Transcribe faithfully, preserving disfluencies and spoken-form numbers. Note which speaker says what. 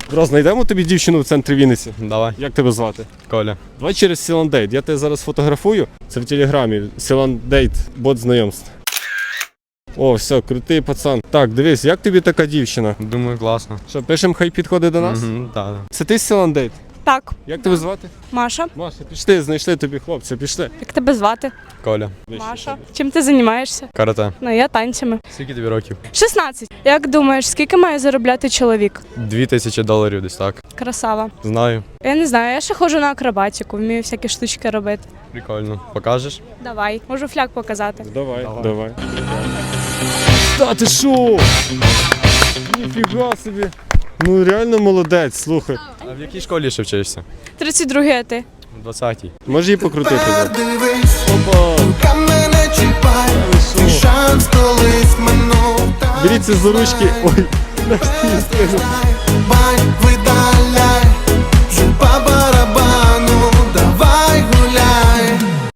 Speaker 1: Бро, знайдемо тобі дівчину в центрі Вінниці?
Speaker 2: Давай.
Speaker 1: Як тебе звати?
Speaker 2: Коля.
Speaker 1: Давай через Сіландейт. Я тебе зараз фотографую. Це в телеграмі. Сіландейт, бот знайомств. О, все, крутий пацан. Так, дивись, як тобі така дівчина?
Speaker 2: Думаю, класно.
Speaker 1: Що, пишемо, хай підходить до нас?
Speaker 2: Угу, так.
Speaker 1: Це ти з Сіландейт?
Speaker 3: Так,
Speaker 1: Як тебе звати?
Speaker 3: Маша.
Speaker 1: Маша, пішли, знайшли тобі хлопця, пішли.
Speaker 3: Як тебе звати?
Speaker 2: Коля.
Speaker 3: Маша. Чим ти займаєшся?
Speaker 2: Карате.
Speaker 3: Ну, я танцями.
Speaker 2: Скільки тобі років?
Speaker 3: шістнадцять. Як думаєш, скільки має заробляти чоловік?
Speaker 2: Дві тисячі доларів десь так.
Speaker 3: Красава.
Speaker 2: Знаю.
Speaker 3: Я не знаю, я ще ходжу на акробатику, вмію всякі штучки робити.
Speaker 2: Прикольно. Покажеш?
Speaker 3: Давай, можу фляг показати.
Speaker 1: Давай,
Speaker 2: Давай.
Speaker 1: давай. Та ти шо? Ніфіга собі. Ну реально молодець, слухай.
Speaker 2: А в якій школі ще вчишся?
Speaker 3: тридцять другий, а ти?
Speaker 2: В двадцятій.
Speaker 1: Може її покрутити? бро?
Speaker 4: Дивись,
Speaker 1: Опа!
Speaker 4: рука мене чіпай, твій шанс колись минув.
Speaker 1: Беріться за ручки. Ой,
Speaker 4: Бай,